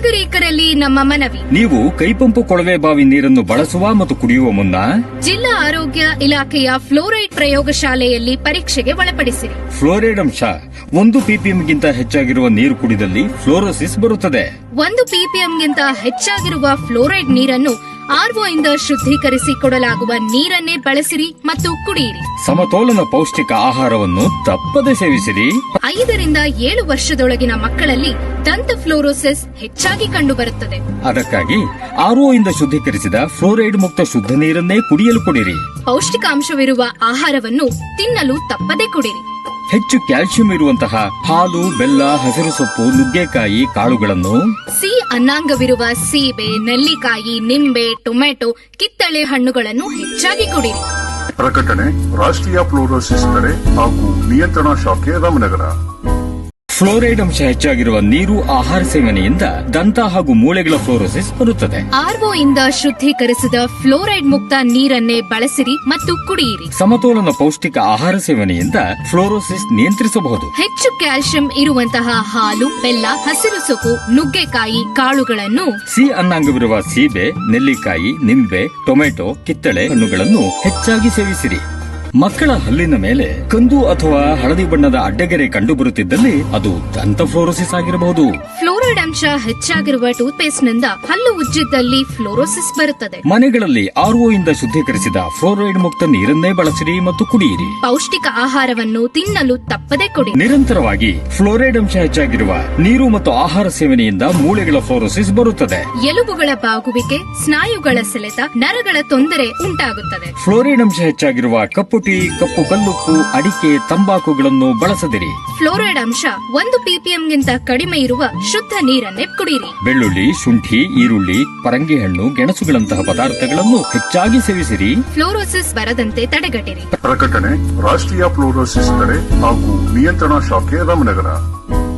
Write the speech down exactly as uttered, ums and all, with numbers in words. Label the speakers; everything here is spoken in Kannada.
Speaker 1: ನಾಗರಿಕರಲ್ಲಿ ನಮ್ಮ ಮನವಿ.
Speaker 2: ನೀವು ಕೈಪಂಪು ಕೊಳವೆ ಬಾವಿ ನೀರನ್ನು ಬಳಸುವ ಮತ್ತು ಕುಡಿಯುವ ಮುನ್ನ
Speaker 1: ಜಿಲ್ಲಾ ಆರೋಗ್ಯ ಇಲಾಖೆಯ ಫ್ಲೋರೈಡ್ ಪ್ರಯೋಗಶಾಲೆಯಲ್ಲಿ ಪರೀಕ್ಷೆಗೆ ಒಳಪಡಿಸಿರಿ.
Speaker 2: ಫ್ಲೋರೈಡ್ ಅಂಶ ಒಂದು ಪಿಪಿಎಂಗಿಂತ ಹೆಚ್ಚಾಗಿರುವ ನೀರು ಕುಡಿದಲ್ಲಿ ಫ್ಲೋರೋಸಿಸ್ ಬರುತ್ತದೆ.
Speaker 1: ಒಂದು ಪಿಪಿಎಂಗಿಂತ ಹೆಚ್ಚಾಗಿರುವ ಫ್ಲೋರೈಡ್ ನೀರನ್ನು ಆರ್ಒ ಇಂದ ಶುದ್ದೀಕರಿಸಿ ಕೊಡಲಾಗುವ ನೀರನ್ನೇ ಬಳಸಿರಿ ಮತ್ತು ಕುಡಿಯಿರಿ.
Speaker 2: ಸಮತೋಲನ ಪೌಷ್ಟಿಕ ಆಹಾರವನ್ನು ತಪ್ಪದೆ ಸೇವಿಸಿರಿ.
Speaker 1: ಐದರಿಂದ ಏಳು ವರ್ಷದೊಳಗಿನ ಮಕ್ಕಳಲ್ಲಿ ದಂತ ಫ್ಲೋರೋಸಿಸ್ ಹೆಚ್ಚಾಗಿ ಕಂಡುಬರುತ್ತದೆ.
Speaker 2: ಅದಕ್ಕಾಗಿ ಆರ್ಒ ಇಂದ ಶುದ್ದೀಕರಿಸಿದ ಫ್ಲೋರೈಡ್ ಮುಕ್ತ ಶುದ್ಧ ನೀರನ್ನೇ ಕುಡಿಯಲು ಕೊಡಿರಿ.
Speaker 1: ಪೌಷ್ಟಿಕಾಂಶವಿರುವ ಆಹಾರವನ್ನು ತಿನ್ನಲು ತಪ್ಪದೆ ಕುಡಿರಿ.
Speaker 2: ಹೆಚ್ಚು ಕ್ಯಾಲ್ಸಿಯಂ ಇರುವಂತಹ ಹಾಲು, ಬೆಲ್ಲ, ಹಸಿರು ಸೊಪ್ಪು, ನುಗ್ಗೆಕಾಯಿ ಕಾಳುಗಳನ್ನು,
Speaker 1: ಸಿ ಅನ್ನಾಂಗವಿರುವ ಸೀಬೆ, ನೆಲ್ಲಿಕಾಯಿ, ನಿಂಬೆ, ಟೊಮೆಟೊ, ಕಿತ್ತಳೆ ಹಣ್ಣುಗಳನ್ನು ಹೆಚ್ಚಾಗಿ ಕುಡಿರಿ.
Speaker 3: ಪ್ರಕಟಣೆ ರಾಷ್ಟ್ರೀಯ ಫ್ಲೋರೋಸಿಸ್ ತಡೆ ಹಾಗೂ ನಿಯಂತ್ರಣ ಶಾಖೆ ರಾಮನಗರ.
Speaker 2: ಫ್ಲೋರೈಡ್ ಅಂಶ ಹೆಚ್ಚಾಗಿರುವ ನೀರು ಆಹಾರ ಸೇವನೆಯಿಂದ ದಂತ ಹಾಗೂ ಮೂಳೆಗಳ ಫ್ಲೋರೋಸಿಸ್ ಬರುತ್ತದೆ.
Speaker 1: ಆರ್ಒ ಇಂದ ಶುದ್ದೀಕರಿಸಿದ ಫ್ಲೋರೈಡ್ ಮುಕ್ತ ನೀರನ್ನೇ ಬಳಸಿರಿ ಮತ್ತು ಕುಡಿಯಿರಿ.
Speaker 2: ಸಮತೋಲನ ಪೌಷ್ಟಿಕ ಆಹಾರ ಸೇವನೆಯಿಂದ ಫ್ಲೋರೋಸಿಸ್ ನಿಯಂತ್ರಿಸಬಹುದು.
Speaker 1: ಹೆಚ್ಚು ಕ್ಯಾಲ್ಸಿಯಂ ಇರುವಂತಹ ಹಾಲು, ಬೆಲ್ಲ, ಹಸಿರು ಸೊಪ್ಪು, ನುಗ್ಗೆಕಾಯಿ ಕಾಳುಗಳನ್ನು,
Speaker 2: ಸಿ ಅನ್ನಾಂಗವಿರುವ ಸೀಬೆ, ನೆಲ್ಲಿಕಾಯಿ, ನಿಂಬೆ, ಟೊಮೆಟೊ, ಕಿತ್ತಳೆ ಹಣ್ಣುಗಳನ್ನು ಹೆಚ್ಚಾಗಿ ಸೇವಿಸಿರಿ. ಮಕ್ಕಳ ಹಲ್ಲಿನ ಮೇಲೆ ಕಂದು ಅಥವಾ ಹಳದಿ ಬಣ್ಣದ ಅಡ್ಡಗೆರೆ ಕಂಡುಬರುತ್ತಿದ್ದಲ್ಲಿ ಅದು ದಂತ ಫ್ಲೋರೋಸಿಸ್ ಆಗಿರಬಹುದು.
Speaker 1: ಫ್ಲೋರೈಡ್ ಅಂಶ ಹೆಚ್ಚಾಗಿರುವ ಟೂತ್ ಪೇಸ್ಟ್ ನಿಂದ ಹಲ್ಲು ಉಜ್ಜಿದ್ದಲ್ಲಿ ಫ್ಲೋರೋಸಿಸ್ ಬರುತ್ತದೆ.
Speaker 2: ಮನೆಗಳಲ್ಲಿ ಆರ್ಒ ಇಂದ ಶುದ್ದೀಕರಿಸಿದ ಫ್ಲೋರೈಡ್ ಮುಕ್ತ ನೀರನ್ನೇ ಬಳಸಿರಿ ಮತ್ತು ಕುಡಿಯಿರಿ.
Speaker 1: ಪೌಷ್ಟಿಕ ಆಹಾರವನ್ನು ತಿನ್ನಲು ತಪ್ಪದೆ ಕೊಡಿ.
Speaker 2: ನಿರಂತರವಾಗಿ ಫ್ಲೋರೈಡ್ ಅಂಶ ಹೆಚ್ಚಾಗಿರುವ ನೀರು ಮತ್ತು ಆಹಾರ ಸೇವನೆಯಿಂದ ಮೂಳೆಗಳ ಫ್ಲೋರೋಸಿಸ್ ಬರುತ್ತದೆ.
Speaker 1: ಎಲುಬುಗಳ ಬಾಗುವಿಕೆ, ಸ್ನಾಯುಗಳ ಸೆಳೆತ, ನರಗಳ ತೊಂದರೆ ಉಂಟಾಗುತ್ತದೆ.
Speaker 2: ಫ್ಲೋರೈಡ್ ಅಂಶ ಹೆಚ್ಚಾಗಿರುವ ಕಪ್ಪು ಟೀ, ಕಪ್ಪು ಕಲ್ಲುಪ್ಪು, ಅಡಿಕೆ, ತಂಬಾಕುಗಳನ್ನು ಬಳಸದಿರಿ.
Speaker 1: ಫ್ಲೋರೈಡ್ ಅಂಶ ಒಂದು ಪಿಪಿಎಂಗಿಂತ ಕಡಿಮೆ ಇರುವ ಶುದ್ಧ ನೀರನ್ನೇ ಕುಡಿಯಿರಿ.
Speaker 2: ಬೆಳ್ಳುಳ್ಳಿ, ಶುಂಠಿ, ಈರುಳ್ಳಿ, ಪರಂಗಿ ಹಣ್ಣು, ಗೆಣಸುಗಳಂತಹ ಪದಾರ್ಥಗಳನ್ನು ಹೆಚ್ಚಾಗಿ ಸೇವಿಸಿರಿ.
Speaker 1: ಫ್ಲೋರೋಸಿಸ್ ಬರದಂತೆ ತಡೆಗಟ್ಟಿರಿ.
Speaker 3: ಪ್ರಕಟಣೆ ರಾಷ್ಟ್ರೀಯ ಫ್ಲೋರೋಸಿಸ್ ತಡೆ ಹಾಗೂ ನಿಯಂತ್ರಣ ಶಾಖೆ ರಾಮನಗರ.